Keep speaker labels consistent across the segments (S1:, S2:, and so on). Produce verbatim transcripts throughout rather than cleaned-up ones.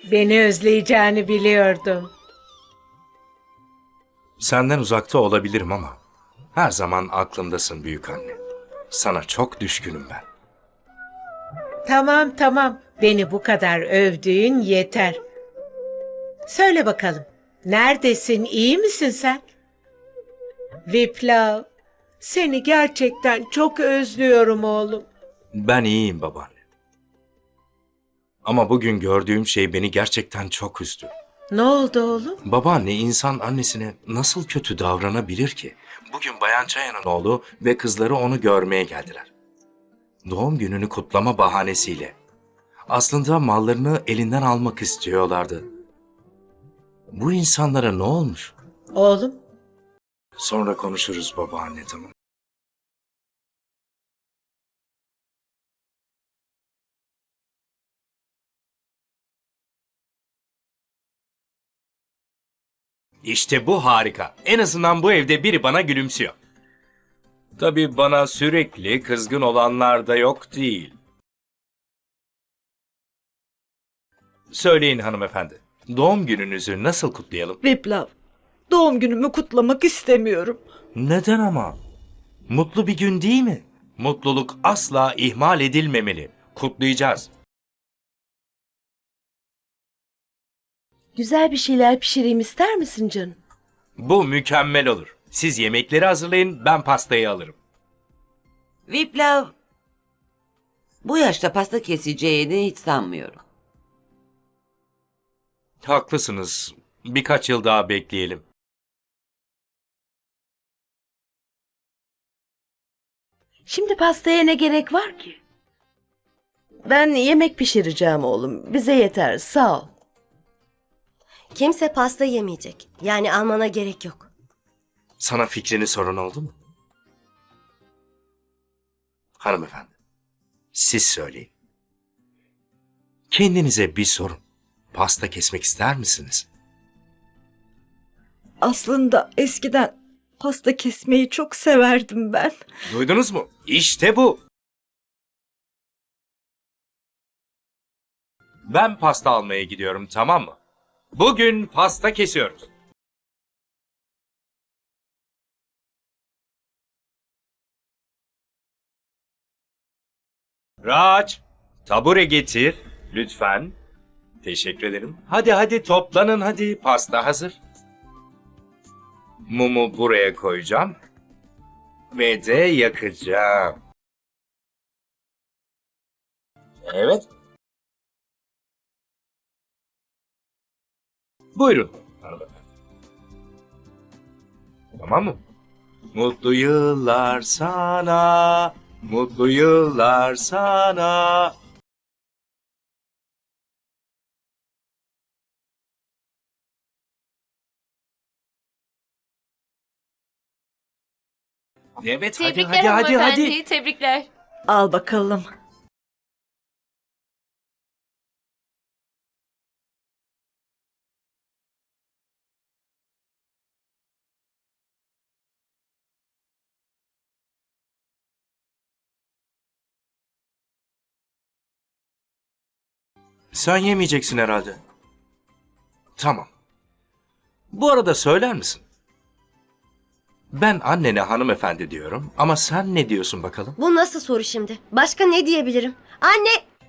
S1: Beni özleyeceğini biliyordum.
S2: Senden uzakta olabilirim ama her zaman aklımdasın büyük anne. Sana çok düşkünüm ben.
S1: Tamam tamam, beni bu kadar övdüğün yeter. Söyle bakalım, neredesin, iyi misin sen? Viplav, seni gerçekten çok özlüyorum oğlum.
S2: Ben iyiyim babaanne. Ama bugün gördüğüm şey beni gerçekten çok üzdü.
S1: Ne oldu oğlum?
S2: Babaanne insan annesine nasıl kötü davranabilir ki? Bugün Bayan Çayan'ın oğlu ve kızları onu görmeye geldiler. Doğum gününü kutlama bahanesiyle. Aslında mallarını elinden almak istiyorlardı. Bu insanlara ne olmuş?
S1: Oğlum,
S2: Sonra konuşuruz babaanne, tamam. İşte bu harika. En azından bu evde biri bana gülümsüyor. Tabii bana sürekli kızgın olanlar da yok değil. Söyleyin hanımefendi. Doğum gününüzü nasıl kutlayalım?
S3: Viplav, doğum günümü kutlamak istemiyorum.
S2: Neden ama? Mutlu bir gün değil mi? Mutluluk asla ihmal edilmemeli. Kutlayacağız.
S4: Güzel bir şeyler pişireyim ister misin canım?
S2: Bu mükemmel olur. Siz yemekleri hazırlayın, ben pastayı alırım.
S5: Viplav, bu yaşta pasta keseceğini hiç sanmıyorum.
S2: Haklısınız. Birkaç yıl daha bekleyelim.
S4: Şimdi pastaya ne gerek var ki? Ben yemek pişireceğim oğlum. Bize yeter, sağ ol.
S6: Kimse pasta yemeyecek. Yani almana gerek yok.
S2: Sana fikrini soran oldu mu? Hanımefendi, siz söyleyin. Kendinize bir sorun. Pasta kesmek ister misiniz?
S3: Aslında eskiden pasta kesmeyi çok severdim ben.
S2: Duydunuz mu? İşte bu. Ben pasta almaya gidiyorum, tamam mı? Bugün pasta kesiyoruz. Raç, tabure getir lütfen. Teşekkür ederim. Hadi hadi toplanın hadi. Pasta hazır. Mumu buraya koyacağım. Ve de yakacağım. Evet. Buyurun. hanımefendi. Tamam mı? Mutlu yıllar sana. Mutlu yıllar sana. Evet hadi
S7: Tebrikler
S2: hadi hadi
S7: hanımefendi,
S2: hadi.
S7: tebrikler.
S3: Al bakalım.
S2: Sen yemeyeceksin herhalde. Tamam. Bu arada söyler misin? Ben annene hanımefendi diyorum ama sen ne diyorsun bakalım?
S6: Bu nasıl soru şimdi? Başka ne diyebilirim? Anne!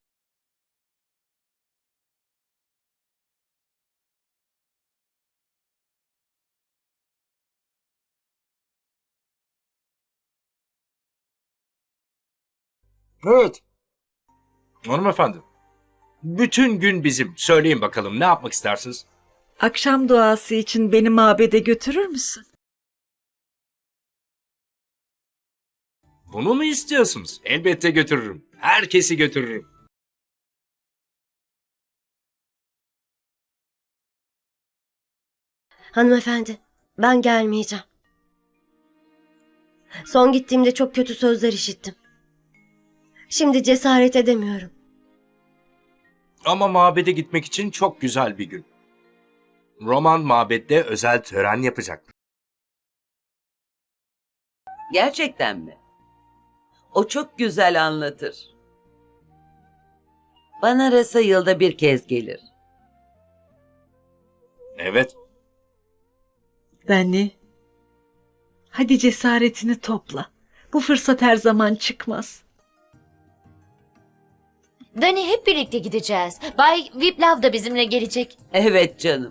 S2: Evet. Hanımefendi. Bütün gün bizim. Söyleyin bakalım ne yapmak istersiniz?
S3: Akşam duası için beni mabede götürür müsün?
S2: Bunu mu istiyorsunuz? Elbette götürürüm. Herkesi götürürüm.
S6: Hanımefendi, ben gelmeyeceğim. Son gittiğimde çok kötü sözler işittim. Şimdi cesaret edemiyorum.
S2: Ama mabede gitmek için çok güzel bir gün. Roman mabette özel tören yapacak.
S5: Gerçekten mi? O çok güzel anlatır. Bana Rasa yılda bir kez gelir.
S2: Evet.
S3: Dani, hadi cesaretini topla. Bu fırsat her zaman çıkmaz.
S7: Dani hep birlikte gideceğiz. Bay Viplav da bizimle gelecek.
S5: Evet canım.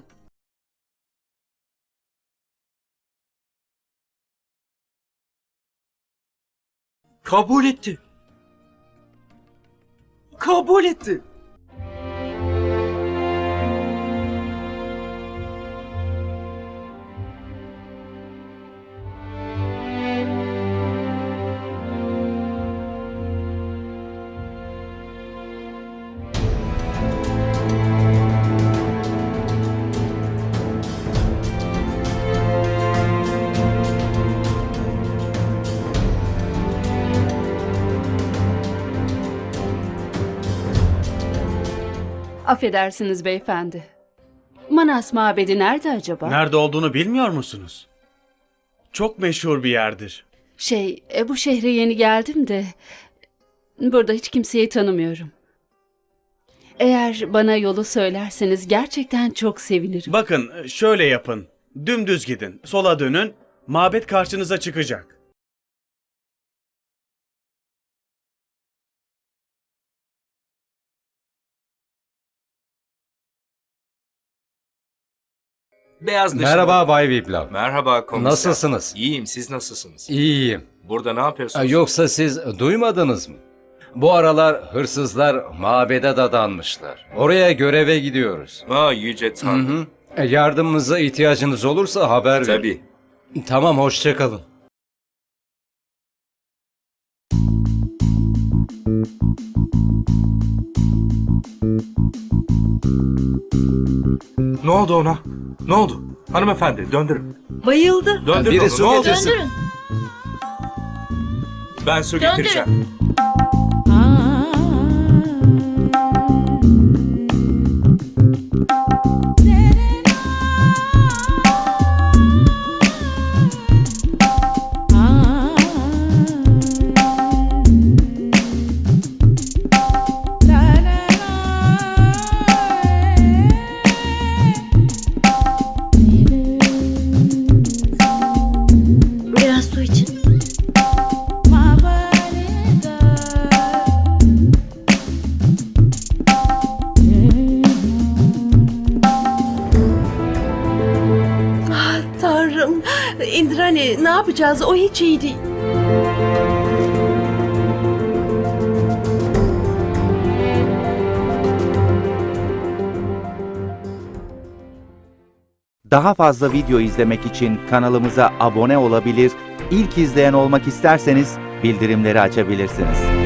S2: Kabul etti. Kabul etti.
S8: Affedersiniz beyefendi. Manas mabedi nerede acaba?
S9: Nerede olduğunu bilmiyor musunuz? Çok meşhur bir yerdir.
S8: Şey, e, bu şehre yeni geldim de burada hiç kimseyi tanımıyorum. Eğer bana yolu söylerseniz gerçekten çok sevinirim.
S9: Bakın şöyle yapın. Dümdüz gidin. Sola dönün. Mabet karşınıza çıkacak.
S2: Beyaz dışında.
S10: Merhaba Bay Viplav.
S2: Merhaba komiser.
S10: Nasılsınız?
S2: İyiyim, siz nasılsınız?
S10: İyiyim.
S2: Burada ne
S10: Ha,
S2: yapıyorsunuz?
S10: Yoksa siz duymadınız mı? Bu aralar hırsızlar mabede dadanmışlar. Oraya göreve gidiyoruz.
S2: Aa, yüce
S10: Hı
S2: Tanrım.
S10: hı. E, Yardımımıza ihtiyacınız olursa haber verin.
S2: Tabii.
S10: Tamam, hoşça kalın.
S2: Ne oldu ona? Ne oldu? Hanımefendi döndürün.
S3: Bayıldı.
S2: Döndürün
S10: Biri
S2: onu.
S10: su
S2: Ne oldu?
S10: getirsin.
S7: Döndürün.
S2: Ben su
S7: Döndürün.
S2: getireceğim.
S6: Biraz su için.
S4: Ah, Tanrım, Indrani ne yapacağız? O hiç iyi değil.
S11: Daha fazla video izlemek için kanalımıza abone olabilir, ilk izleyen olmak isterseniz bildirimleri açabilirsiniz.